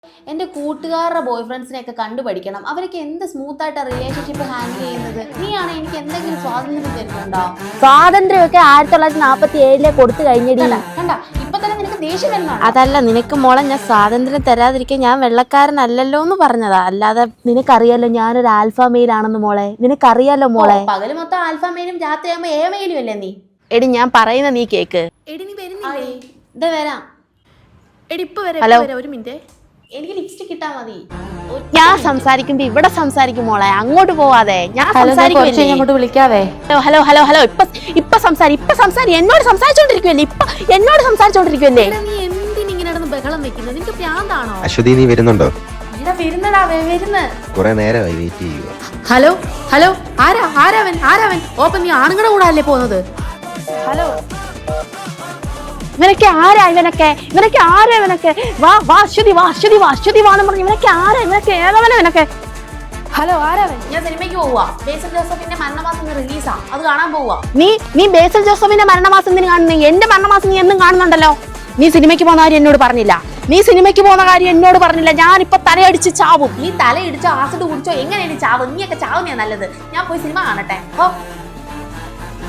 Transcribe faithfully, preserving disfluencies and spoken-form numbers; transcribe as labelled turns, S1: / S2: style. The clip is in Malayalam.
S1: എന്റെ കൂട്ടുകാരുടെ ബോയ് ഫ്രണ്ട്സിനെയൊക്കെ കണ്ടുപഠിക്കണം. അവരൊക്കെ എന്ത് സ്മൂത്ത് ആയിട്ട് റിലേഷൻഷിപ്പ് ഹാൻഡിൽ ചെയ്യുന്നത്. നീയാണ് എനിക്ക് എന്തെങ്കിലും സ്വാതന്ത്ര്യം തരുന്നുണ്ടോ?
S2: സ്വാതന്ത്ര്യമൊക്കെ ആയിരത്തി തൊള്ളായിരത്തി നാപ്പത്തി ഏഴിലെ കൊടുത്തു കഴിഞ്ഞടി.
S1: കണ്ട ഇപ്പൊ തന്നെ നിനക്ക് ദേഷ്യം വരുന്നതാണ്.
S2: അതല്ല നിനക്ക് മോളെ ഞാൻ സ്വാതന്ത്ര്യം തരാതിരിക്കാൻ ഞാൻ വെള്ളക്കാരനല്ലല്ലോ എന്ന് പറഞ്ഞതാ. അല്ലാതെ നിനക്കറിയാലോ ഞാനൊരു ആൽഫ മെയിൽ ആണെന്ന് മോളെ. നിനക്കറിയാലോ മോളെ.
S1: പകല് മൊത്തം ആൽഫ മെയിലും രാത്രിയാകുമ്പോ ഏ മെയിലും അല്ലേ നീ?
S2: എടി ഞാൻ പറയുന്ന നീ കേക്ക്.
S1: എടി നീ വരുന്നില്ലേ? ഇതാ വരാം.
S3: എടി ഇപ്പൊ വരാം.
S2: ഹലോ
S3: ഒരു മിനിറ്റ്.
S1: എനിക്ക് ലിപ്സ്റ്റിക് ഇട്ടാ മതി.
S2: ഞാൻ സംസാരിക്കുമ്പോ ഇവിടെ സംസാരിക്കും മോളെ, അങ്ങോട്ട് പോവാതെ. ഞാൻ
S1: അങ്ങോട്ട് വിളിക്കാവേ.
S2: ഹലോ ഹലോ ഹലോ ഇപ്പൊ ഇപ്പൊ സംസാരി ഇപ്പൊ സംസാരി എന്നോട് സംസാരിച്ചോണ്ടിരിക്കുവല്ലേ. ഇപ്പൊ എന്നോട് സംസാരിച്ചോണ്ടിരിക്കുവല്ലേ.
S3: നീ എന്തിനിങ്ങനെ നടന്ന് ബഹളം വെക്കുന്നത്? നിനക്ക് പ്രാന്താണോ?
S4: അശ്വതി നീ വരുന്നുണ്ടോ?
S1: ഇവിടെ വരുന്നടാ വരുന്ന്.
S4: കുറെ നേരമായി വെയിറ്റ് ചെയ്യുക.
S3: ഹലോ ഹലോ ആരാ ആരാവൻ ആരാവൻ? ഓപ്പൻ നീ ആണുങ്ങളുടെ കൂടെ അല്ലേ പോകുന്നത്?
S1: ഹലോ
S2: ഇവനൊക്കെ ആരാ ഇവനൊക്കെ ഇവനൊക്കെ ആരാ ഇവനൊക്കെ? വാ വാ അശ്വതി വാ അശ്വതി വാ അശ്വതി വാന്ന് പറഞ്ഞു. ഇവനൊക്കെ ആരാ ഇവനൊക്കെ? ഏതവനാ ഇവനൊക്കെ?
S1: ഹലോ ആരാവൻ? ഞാൻ സിനിമയ്ക്ക് പോവാ. ബേസിൽ ജോസഫിന്റെ മരണമാസം റിലീസാ, അത് കാണാൻ പോവാ.
S2: നീ നീ ബേസിൽ ജോസഫിന്റെ മരണമാസം നീ കാണുന്നു. എന്റെ മരണമാസം നീ എന്നും കാണുന്നുണ്ടല്ലോ. നീ സിനിമയ്ക്ക് പോകുന്ന കാര്യം എന്നോട് പറഞ്ഞില്ല. നീ സിനിമയ്ക്ക് പോകുന്ന കാര്യം എന്നോട് പറഞ്ഞില്ല. ഞാനിപ്പൊ തലയടിച്ച് ചാവും.
S1: നീ തലയിടിച്ചോ ആസിഡ് കുടിച്ചോ എങ്ങനെയാണ് ചാവും? നീയൊക്കെ ചാവുന്നേ നല്ലത്. ഞാൻ പോയി സിനിമ കാണട്ടെ. ഓ